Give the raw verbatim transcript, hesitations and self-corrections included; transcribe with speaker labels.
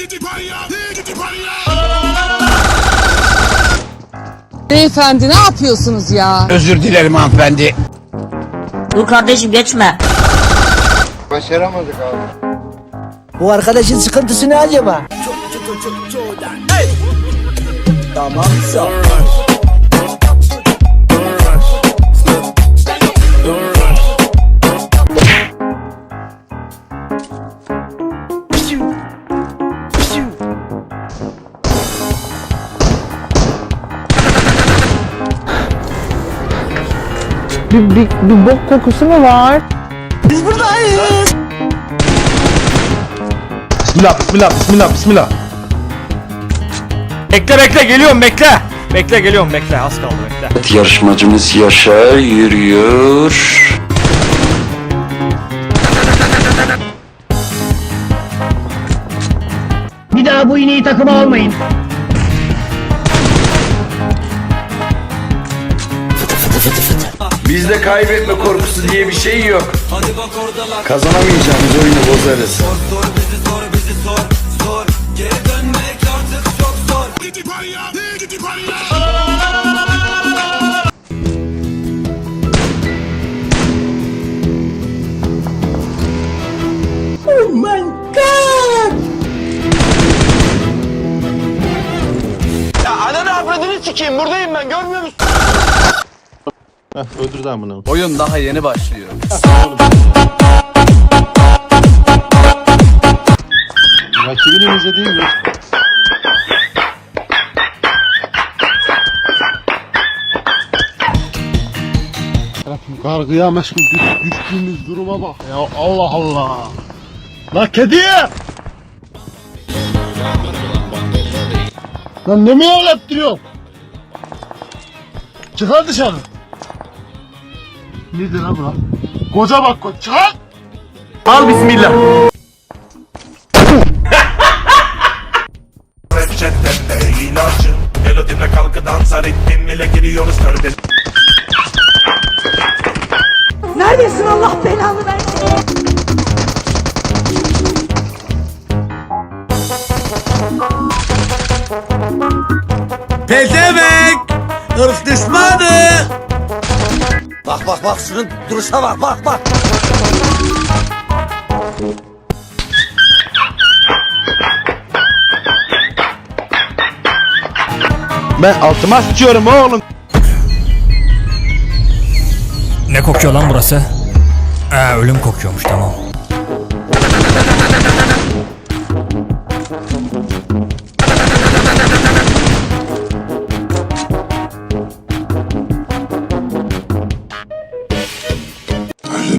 Speaker 1: Beyefendi ne yapıyorsunuz ya?
Speaker 2: Özür dilerim hanımefendi.
Speaker 3: Dur kardeşim geçme.
Speaker 4: Başaramadık abi.
Speaker 5: Bu arkadaşın sıkıntısı ne acaba? Tamam sağ.
Speaker 1: Bir, bir, bir bok kokusu mu var?
Speaker 5: Biz buradayız.
Speaker 6: Bismillah, bismillah, bismillah, bismillah.
Speaker 7: Bekle bekle geliyorum bekle. Bekle geliyorum bekle az kaldı bekle.
Speaker 8: Yarışmacımız Yaşar yürüyor.
Speaker 5: Bir daha bu ineği takıma almayın.
Speaker 4: Bizde kaybetme korkusu diye bir şey yok. Kazanamayacağımız oyunu bozarız.
Speaker 5: Oh my god!
Speaker 4: Ya ananı avradını sikeyim, buradayım ben, görmüyor musun?
Speaker 6: Heh, öldürdü amına.
Speaker 2: Oyun daha yeni başlıyor.
Speaker 6: Rakibini izlediğin yok. Kargıya meşgul düş, düştüğümüz duruma bak ya, Allah Allah. La kedi! Lan ne mi ağlattırıyor? Çıkar dışarı. Nedir lan bu lan? Koca bak koca, çıkar! Al bismillah.
Speaker 9: Reçetende ilacı, melodimle kalkı dansa ritmim ile giriyoruz körde.
Speaker 1: Neredesin Allah belanı versin?
Speaker 5: Pezevenk! Irk düşmanı! Bak bak bak şunun duruşa bak bak bak!
Speaker 6: Ben altıma sıçıyorum oğlum.
Speaker 7: Ne kokuyor lan burası? Ee, ölüm kokuyormuş tamam.